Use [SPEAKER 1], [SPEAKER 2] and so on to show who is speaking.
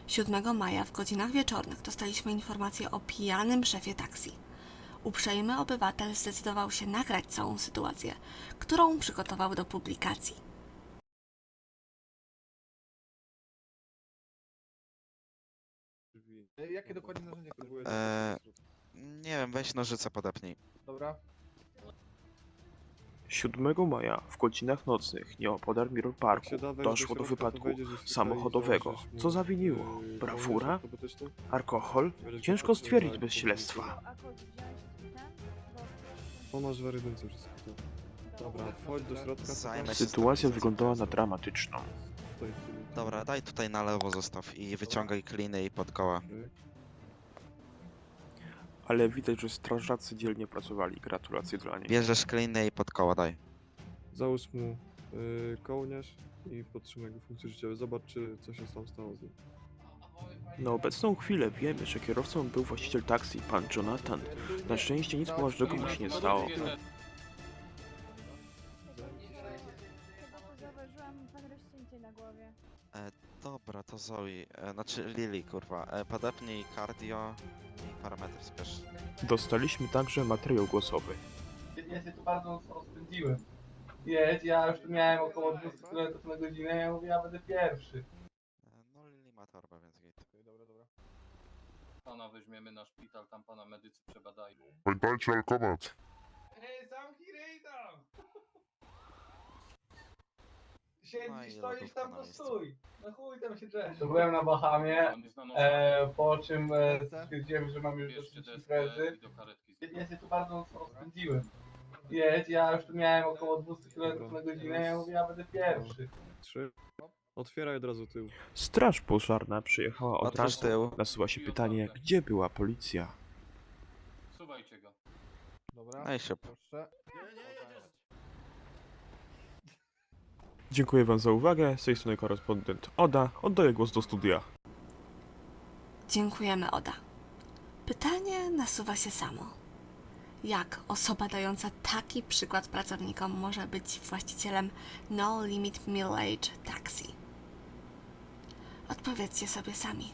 [SPEAKER 1] 7 maja w godzinach wieczornych dostaliśmy informację o pijanym szefie taksi. Uprzejmy obywatel zdecydował się nagrać całą sytuację, którą przygotował do publikacji.
[SPEAKER 2] Jakie dokładnie narzędzia próbujesz?
[SPEAKER 3] Nie wiem, weź nożyce podepnij.
[SPEAKER 2] Dobra.
[SPEAKER 4] 7 maja w godzinach nocnych nieopodal Mirror
[SPEAKER 2] Jak
[SPEAKER 4] Parku
[SPEAKER 2] się dawesz
[SPEAKER 4] doszło do
[SPEAKER 2] środka, to
[SPEAKER 4] wypadku
[SPEAKER 2] wejdziesz tutaj i
[SPEAKER 4] samochodowego.
[SPEAKER 2] założysz mu,
[SPEAKER 4] Co zawiniło? Brawura?
[SPEAKER 2] kołnierz ortopedyczny.
[SPEAKER 4] Alkohol?
[SPEAKER 2] Będziesz
[SPEAKER 4] Ciężko
[SPEAKER 2] go
[SPEAKER 4] stwierdzić
[SPEAKER 2] potrzebować,
[SPEAKER 4] bez
[SPEAKER 2] to
[SPEAKER 4] śledztwa.
[SPEAKER 5] A kod wziąć ten?
[SPEAKER 2] O, masz w rydynce wszystko to. Dobra, wchodź do środka.
[SPEAKER 3] Zajmę się
[SPEAKER 4] Sytuacja wyglądała na dramatyczną.
[SPEAKER 3] Dobra, daj tutaj na lewo zostaw i wyciągaj kliny i pod koła.
[SPEAKER 4] Ale widać, że strażacy dzielnie pracowali. Gratulacje dla nich.
[SPEAKER 3] Bierzesz kliny i pod koła daj.
[SPEAKER 2] Załóż mu kołnierz i podtrzymaj go funkcje życiowe. Zobacz, czy coś się tam stało z nim.
[SPEAKER 4] Na obecną chwilę wiemy, że kierowcą był właściciel taksi, pan Jonathan. Na szczęście nic poważnego mu się nie stało.
[SPEAKER 5] Chyba to zauważyłam pan rozcięcie na głowie.
[SPEAKER 3] Dobra, to Zoe, znaczy Lily, kurwa. Podepnij cardio i parametry spiesz.
[SPEAKER 4] Dostaliśmy także materiał głosowy.
[SPEAKER 6] Ja się tu bardzo mocno rozpędziłem. Jedź, ja już tu miałem około 200 km na godzinę, ja mówię, ja będę pierwszy.
[SPEAKER 3] No Lily ma torbę, więc git.
[SPEAKER 2] Dobra.
[SPEAKER 7] Pana weźmiemy na szpital, tam pana medycy przebadają.
[SPEAKER 8] Pamiętajcie alkomat.
[SPEAKER 6] Ej, zamknij ryj tam!
[SPEAKER 3] No
[SPEAKER 6] Siedzisz,
[SPEAKER 3] i
[SPEAKER 6] stoisz
[SPEAKER 3] lodówka
[SPEAKER 6] tam,
[SPEAKER 3] na
[SPEAKER 6] to
[SPEAKER 3] miejscu.
[SPEAKER 6] stój. No chuj tam się drzesz. To byłem na Bahamie,
[SPEAKER 7] Pan jest na nosie.
[SPEAKER 6] po czym stwierdziłem, że mam już
[SPEAKER 7] Bierzcie
[SPEAKER 6] dosyć
[SPEAKER 7] deskę
[SPEAKER 6] imprezy.
[SPEAKER 7] i do karetki.
[SPEAKER 6] Ja się tu bardzo mocno rozpędziłem. Jedź, ja już tu miałem około 200 km na godzinę, ja mówię, ja będę pierwszy.
[SPEAKER 2] 3. Otwieraj od razu tył.
[SPEAKER 4] Straż pożarna przyjechała od
[SPEAKER 3] Otwórz
[SPEAKER 4] razu.
[SPEAKER 3] tył.
[SPEAKER 4] Nasuwa się pytanie, gdzie była policja?
[SPEAKER 7] Suwajcie go.
[SPEAKER 2] Dobra.
[SPEAKER 3] No i siup.
[SPEAKER 2] Proszę.
[SPEAKER 4] Dziękuję wam za uwagę. Z tej strony korespondent Oda. Oddaję głos do studia.
[SPEAKER 1] Dziękujemy, Oda. Pytanie nasuwa się samo. Jak osoba dająca taki przykład pracownikom może być właścicielem No Limit Middle Age Taxi? Odpowiedzcie sobie sami.